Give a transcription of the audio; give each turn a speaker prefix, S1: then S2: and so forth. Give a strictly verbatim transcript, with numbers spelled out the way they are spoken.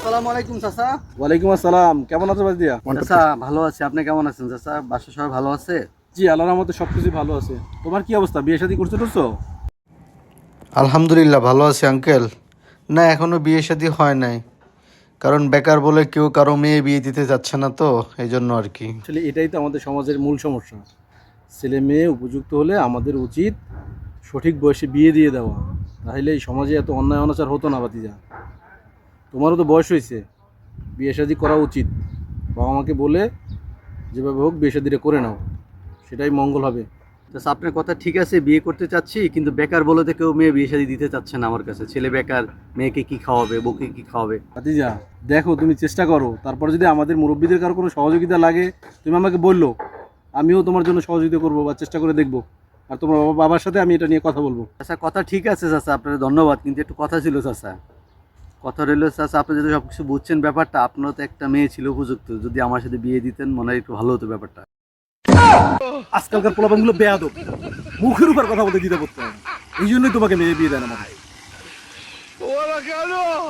S1: আসসালামু আলাইকুম চাচা।
S2: ওয়ালাইকুম আসসালাম। কেমন আছো বাজদিয়া?
S1: চাচা ভালো আছি, আপনি কেমন আছেন চাচা? বাসা সবাই ভালো আছে?
S2: জি, আল্লাহর রহমতে সবকিছু ভালো আছে। তোমার কি অবস্থা? বিয়ে শাদী করছো টরছো?
S3: আলহামদুলিল্লাহ ভালো আছি আঙ্কেল। না এখনো বিয়ে শাদী হয় নাই, কারণ বেকার বলে কেউ কারো মেয়ে বিয়ে দিতে যাচ্ছে না, তো এই জন্য আর কি।
S2: আসলে এটাই তো আমাদের সমাজের মূল সমস্যা। ছেলে মেয়ে উপযুক্ত হলে আমাদের উচিত সঠিক বয়সে বিয়ে দিয়ে দেওয়া, তাহলে এই সমাজে এত অন্যায় অনাচার হতো না। বাতিজা, তোমারও তো বয়স হয়েছে, বিয়ে শাদী করা উচিত। বাবা মাকে বলে যেভাবে হোক বিয়ে শাদীটা করে নাও, সেটাই মঙ্গল হবে।
S1: চাচা আপনার কথা ঠিক আছে, বিয়ে করতে চাচ্ছি, কিন্তু বেকার বলে তো কেউ মেয়ে বিয়ে শাদী দিতে চাচ্ছে না আমার কাছে। ছেলে বেকার, মেয়েকে কি খাওয়াবে, বউকে কি খাওয়াবে?
S2: ভাতিজা দেখো, তুমি চেষ্টা করো, তারপর যদি আমাদের মুরব্বীদের কারো কোনো সহযোগিতা লাগে তুমি আমাকে বললো, আমিও তোমার জন্য সহযোগিতা করবো বা চেষ্টা করে দেখবো। আর তোমার বাবা বাবার সাথে আমি এটা নিয়ে কথা বলবো।
S1: চাচা কথা ঠিক আছে চাচা, আপনার ধন্যবাদ, কিন্তু একটু কথা ছিল চাচা। কথা রইল চাচা, আপনি যদি সব কিছু বুঝছেন ব্যাপারটা, আপনারও তো একটা মেয়ে ছিল উপযুক্ত, যদি আমার সাথে বিয়ে দিতেন মনে হয় একটু ভালো হতো ব্যাপারটা।
S2: আজকালকার পোলাপানগুলো বেয়াদব, মুখের উপর কথা বলতে দিতে পারতো না। এই জন্যই তোমাকে মেয়ে বিয়ে দেয় না।